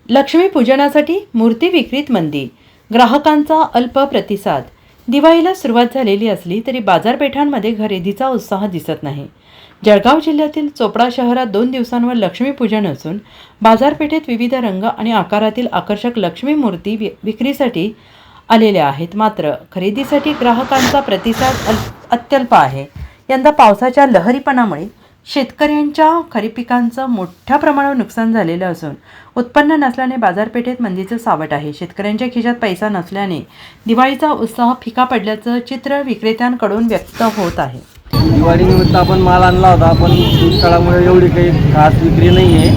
लक्ष्मीपूजनासाठी मूर्ती विक्रीत मंदी, ग्राहकांचा अल्प प्रतिसाद। दिवाळीला सुरुवात झालेली असली तरी बाजारपेठांमध्ये खरेदीचा उत्साह दिसत नाही। जळगाव जिल्ह्यातील चोपडा शहरात 2 दिवसांवर लक्ष्मीपूजन असून बाजारपेठेत विविध रंग आणि आकारातील आकर्षक लक्ष्मी मूर्ती विक्रीसाठी आलेल्या आहेत। मात्र खरेदीसाठी ग्राहकांचा प्रतिसाद अत्यल्प आहे। यंदा पावसाच्या लहरीपणामुळे शेतकऱ्यांच्या खरीप पिकांचं मोठ्या प्रमाणावर नुकसान झालेलं असून उत्पन्न नसल्याने बाजारपेठेत मंदीचं सावट आहे। शेतकऱ्यांच्या खिशात पैसा नसल्याने दिवाळीचा उत्साह फिका पडल्याचं चित्र विक्रेत्यांकडून व्यक्त होत आहे। दिवाळीनिमित्त आपण माल आणला होता, पण दुष्काळामुळे एवढी काही खास विक्री नाही आहे।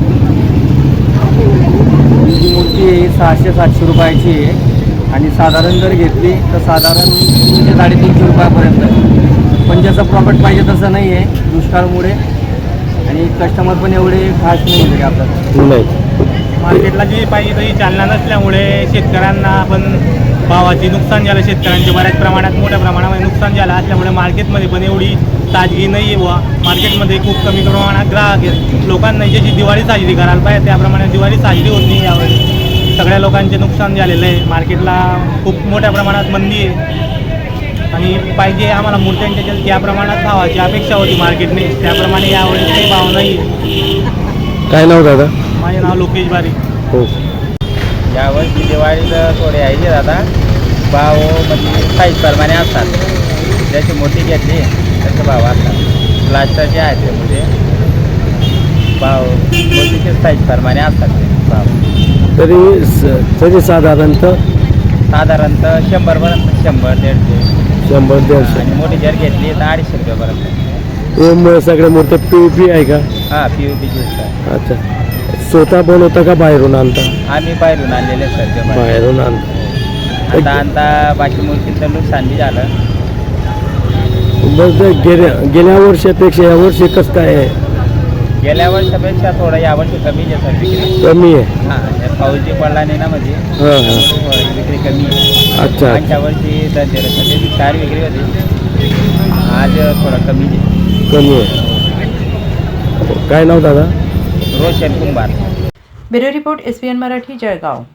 ही मूर्ती 600-700 रुपयाची आहे आणि साधारण जर घेतली तर साधारण 300-350 रुपयापर्यंत। पण ज्याचं प्रॉफिट पाहिजे तसं नाही आहे दुष्काळामुळे, आणि कस्टमर पण एवढे खास नाही तरी आपल्याला मार्केटला जी पाहिजे तशी चालना नसल्यामुळे शेतकऱ्यांना पण भावाची नुकसान झालं। शेतकऱ्यांचे बऱ्याच प्रमाणात मोठ्या प्रमाणामध्ये नुकसान झालं असल्यामुळे मार्केटमध्ये पण एवढी ताजगी नाही आहे व मार्केटमध्ये खूप कमी प्रमाणात ग्राहक आहेत। लोकांना ज्याची दिवाळी साजरी करायला पाहिजे त्याप्रमाणे दिवाळी साजरी होत नाही यावेळी। सगळ्या लोकांचे नुकसान झालेलं आहे। मार्केटला खूप मोठ्या प्रमाणात मंदी आहे आणि पाहिजे आम्हाला मूर्त्यांच्या ज्या प्रमाणात भावाची अपेक्षा होती मार्केटने त्याप्रमाणे यावेळेस काही भाव नाही। काय नाव दादा? माझे नाव लोकेश बारी। हो, यावर्षी दिवाळीला थोडे आहे दादा, भाव म्हणजे साईज प्रमाणे असतात। ज्याची मोठी घेतली त्याचे भाव असतात। प्लास्टरचे आहेत ते म्हणजे भाव मोठीचे साईज प्रमाणे असतात ते भाव। तरी साधारणतः 100पर्यंत 100-150 100-150 आणि मोठी जर घेतली तर 250 रुपयापर्यंत। मग सगळ्या मूर्त्या POP आहे का? हां, POPची असतात। अच्छा, स्वतः बनवता का बाहेरून आणता? आम्ही बाहेरून आणलेले सर, बाहेरून आणता। आता बाकी मूर्ती तर नुकसान बी झालं। मग गेल्या वर्षापेक्षा यावर्षी कसं काय आहे? गेल्या वर्षापेक्षा थोडं यावर्षी कमी आहे सर विक्री। कमी आहे? हां, पाऊस जी पडला नाही ना म्हणजे हां, थोडी विक्री कमी आहे। अच्छा, मागच्या वर्षी धनतेरसमध्ये 4 विक्री होती, आज थोडं कमी आहे। कमी आहे। काय नाव दादा? Roshan Kumbhar. Bureau report SBN Marathi, Jalgaon.